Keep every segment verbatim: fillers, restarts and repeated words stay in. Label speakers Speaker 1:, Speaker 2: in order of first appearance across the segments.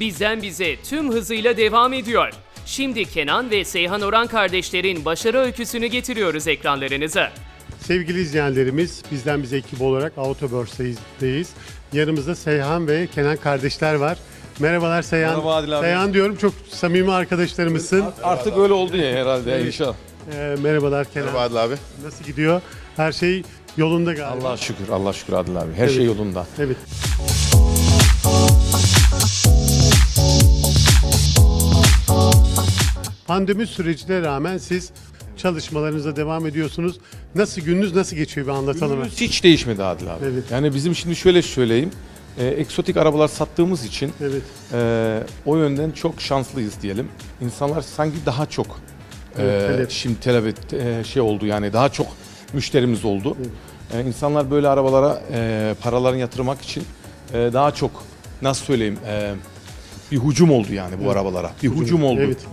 Speaker 1: Bizden bize tüm hızıyla devam ediyor. Şimdi Kenan ve Seyhan Oran kardeşlerin başarı öyküsünü getiriyoruz ekranlarınıza.
Speaker 2: Sevgili izleyenlerimiz, bizden bize ekip olarak Autobörse'deyiz. Yanımızda Seyhan ve Kenan kardeşler var. Merhabalar Seyhan.
Speaker 3: Merhaba Adil abi.
Speaker 2: Seyhan diyorum, çok samimi arkadaşlarımızsın.
Speaker 3: Artık öyle oldu ya herhalde inşallah.
Speaker 2: Ee, merhabalar Kenan.
Speaker 4: Merhaba Adil abi.
Speaker 2: Nasıl gidiyor? Her şey yolunda galiba.
Speaker 3: Allah şükür, Allah şükür Adil abi. Her
Speaker 2: Evet.
Speaker 3: şey yolunda.
Speaker 2: Evet. Pandemi sürecine rağmen siz çalışmalarınıza devam ediyorsunuz. Nasıl gününüz nasıl geçiyor bir anlatalım.
Speaker 3: Günümüz hiç değişmedi Adil abi.
Speaker 2: Evet.
Speaker 3: Yani bizim şimdi şöyle söyleyeyim. E, egzotik arabalar sattığımız için
Speaker 2: Evet.
Speaker 3: e, o yönden çok şanslıyız diyelim. İnsanlar sanki daha çok e,
Speaker 2: Evet, talep.
Speaker 3: şimdi talep e, şey oldu yani daha çok müşterimiz oldu. E, insanlar böyle arabalara e, paralarını yatırmak için e, daha çok nasıl söyleyeyim e, bir hücum oldu yani bu
Speaker 2: Evet.
Speaker 3: arabalara. Bir hücum oldu.
Speaker 2: Evet.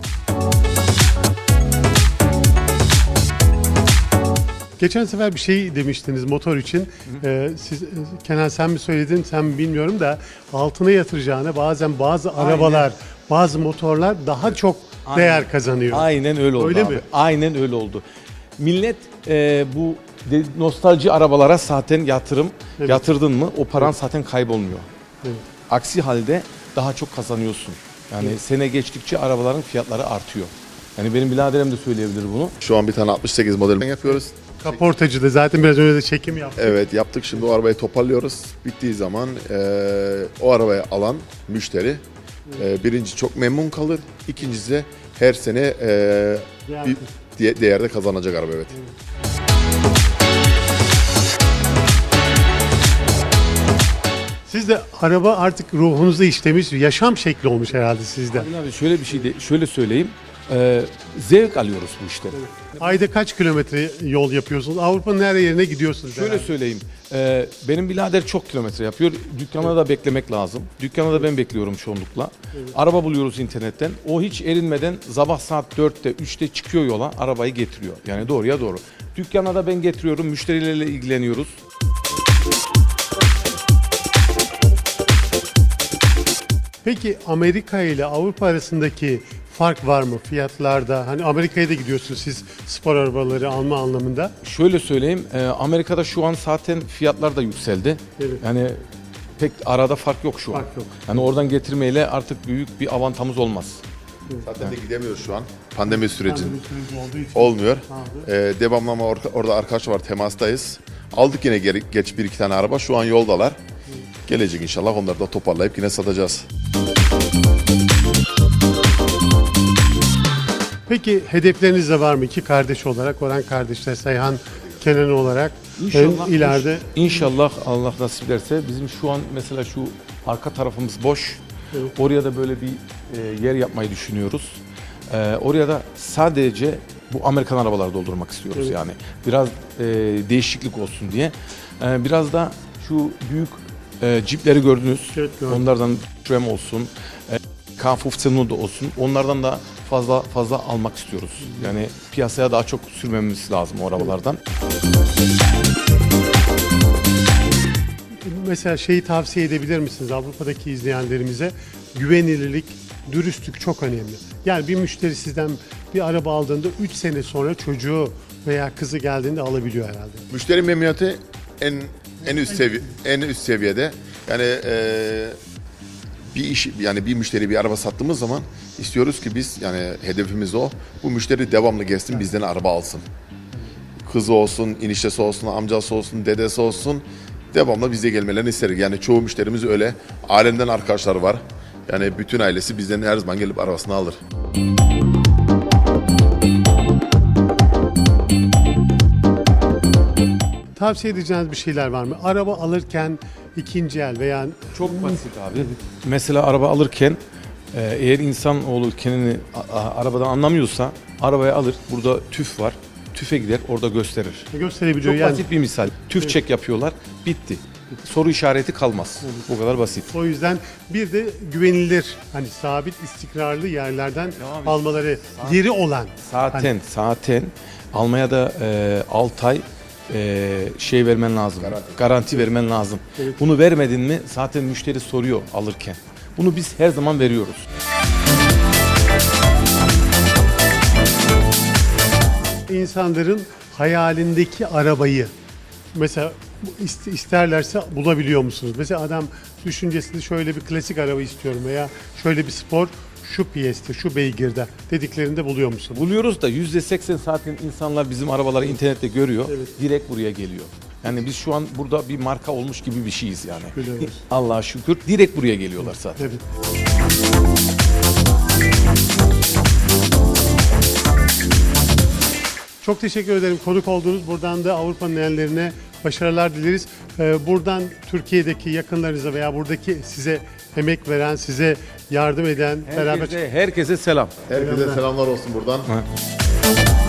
Speaker 2: Geçen sefer bir şey demiştiniz motor için. Ee, siz, Kenan sen mi söyledin, sen mi bilmiyorum da altına yatıracağına bazen bazı arabalar, bazı motorlar daha çok değer kazanıyor.
Speaker 3: Aynen öyle oldu
Speaker 2: Öyle
Speaker 3: abi.
Speaker 2: mi?
Speaker 3: Aynen öyle oldu. Millet e, bu de- nostalji arabalara zaten yatırım
Speaker 2: Evet.
Speaker 3: yatırdın mı o paran zaten kaybolmuyor.
Speaker 2: Evet.
Speaker 3: Aksi halde daha çok kazanıyorsun. Yani sene geçtikçe arabaların fiyatları artıyor. Yani benim biraderim de söyleyebilir bunu.
Speaker 4: Şu an bir tane altmış sekiz model yapıyoruz.
Speaker 2: Kaportacı da zaten biraz önce de çekim yaptı.
Speaker 4: Evet yaptık, şimdi o arabayı toparlıyoruz. Bittiği zaman eee, o arabayı alan müşteri eee, birinci çok memnun kalır. İkincisi de her sene eee,
Speaker 2: Değer-
Speaker 4: bir diye- değerde kazanacak araba, evet.
Speaker 2: Siz de araba artık ruhunuza işlemiş, yaşam şekli olmuş herhalde sizde.
Speaker 3: Adil abi şöyle bir şey de şöyle söyleyeyim. E, zevk alıyoruz bu işte.
Speaker 2: Ayda kaç kilometre yol yapıyorsunuz? Avrupa'nın her yerine gidiyorsunuz.
Speaker 3: Şöyle
Speaker 2: herhalde.
Speaker 3: söyleyeyim. e, benim birader çok kilometre yapıyor. Dükkana da beklemek lazım. Dükkana da ben bekliyorum çoğunlukla. Araba buluyoruz internetten. O hiç erinmeden sabah saat dörtte üçte çıkıyor yola. Arabayı getiriyor. Yani doğruya doğru. Dükkana da ben getiriyorum. Müşterilerle ilgileniyoruz.
Speaker 2: Peki Amerika ile Avrupa arasındaki fark var mı fiyatlarda? Hani Amerika'ya da gidiyorsunuz siz spor arabaları alma anlamında.
Speaker 3: Şöyle söyleyeyim. e, Amerika'da şu an zaten fiyatlar da yükseldi.
Speaker 2: Evet.
Speaker 3: Yani pek arada fark yok şu an.
Speaker 2: Fark yok.
Speaker 3: Yani oradan getirmeyle artık büyük bir avantamız olmaz.
Speaker 4: Zaten de gidemiyoruz şu an. Pandemi sürecin
Speaker 2: Pandemi süreci olduğu için.
Speaker 4: olmuyor.
Speaker 2: Abi.
Speaker 4: Eee devamlı ama orta- orada arkadaş var, temastayız. Aldık yine geri, geç bir iki tane araba. Şu an yoldalar. Gelecek inşallah, onları da toparlayıp yine satacağız.
Speaker 2: Peki hedefleriniz de var mı? İki kardeş olarak, Orhan kardeşler, Seyhan, Kenan olarak.
Speaker 3: İnşallah
Speaker 2: en ileride
Speaker 3: İnşallah Allah nasip ederse bizim şu an mesela şu arka tarafımız boş.
Speaker 2: Evet.
Speaker 3: Oraya da böyle bir e, yer yapmayı düşünüyoruz. E, oraya da sadece bu Amerikan arabaları doldurmak istiyoruz
Speaker 2: Evet.
Speaker 3: yani. Biraz e, değişiklik olsun diye. E, biraz da şu büyük e, cipleri gördünüz.
Speaker 2: Evet, gördüm.
Speaker 3: Onlardan Tram olsun, e, K fifteen da olsun. Onlardan da fazla fazla almak istiyoruz. Yani piyasaya daha çok sürmemiz lazım o arabalardan.
Speaker 2: mesela şeyi tavsiye edebilir misiniz Avrupa'daki izleyenlerimize? Güvenilirlik, dürüstlük çok önemli. Yani bir müşteri sizden bir araba aldığında üç sene sonra çocuğu veya kızı geldiğinde alabiliyor herhalde.
Speaker 4: Müşteri memnuniyeti en en üst seviye en üst seviyede. Yani eee, bir iş, yani bir müşteri bir araba sattığımız zaman istiyoruz ki biz, yani hedefimiz o. Bu müşteri devamlı gelsin, bizden araba alsın. Kızı olsun, eniştesi olsun, amcası olsun, dedesi olsun, devamlı bize gelmelerini isteriz. Yani çoğu müşterimiz öyle. Alemden arkadaşlar var. Yani bütün ailesi bizden her zaman gelip arabasını alır.
Speaker 2: Tavsiye edeceğiniz bir şeyler var mı? Araba alırken ikinci el veya
Speaker 3: Çok basit abi. Mesela araba alırken e, eğer insanoğlu kendini a- a- arabadan anlamıyorsa arabayı alır. Burada tüf var. Tüfe gider orada gösterir.
Speaker 2: gösterebiliyor
Speaker 3: Çok
Speaker 2: yani.
Speaker 3: basit bir misal. Tüf çek yapıyorlar. Bitti. Soru işareti kalmaz. Bu kadar basit.
Speaker 2: O yüzden bir de güvenilir, hani sabit, istikrarlı yerlerden
Speaker 3: Devam et.
Speaker 2: almaları, yeri olan.
Speaker 3: Zaten
Speaker 2: Hani
Speaker 3: zaten Almanya'da e, altı ay e, şey vermen lazım. Garanti, vermen lazım.
Speaker 2: Evet.
Speaker 3: Bunu vermedin mi zaten müşteri soruyor alırken. Bunu biz her zaman veriyoruz.
Speaker 2: İnsanların hayalindeki arabayı mesela ist- isterlerse bulabiliyor musunuz? Mesela adam düşüncesinde şöyle bir klasik araba istiyorum veya şöyle bir spor şu piyeste, şu beygirde dediklerinde buluyor musunuz?
Speaker 3: Buluyoruz da yüzde seksen zaten insanlar bizim arabaları internette görüyor. Direkt buraya geliyor. Yani biz şu an burada bir marka olmuş gibi bir şeyiz yani.
Speaker 2: Biliyoruz.
Speaker 3: Allah'a şükür direkt buraya geliyorlar zaten.
Speaker 2: Evet. Çok teşekkür ederim konuk olduğunuz. Buradan da Avrupa'nın ellerine başarılar dileriz. Ee, buradan Türkiye'deki yakınlarınıza veya buradaki size emek veren, size yardım eden, beraber
Speaker 3: Herkese, herkese selam.
Speaker 4: Herkese selamlar olsun buradan.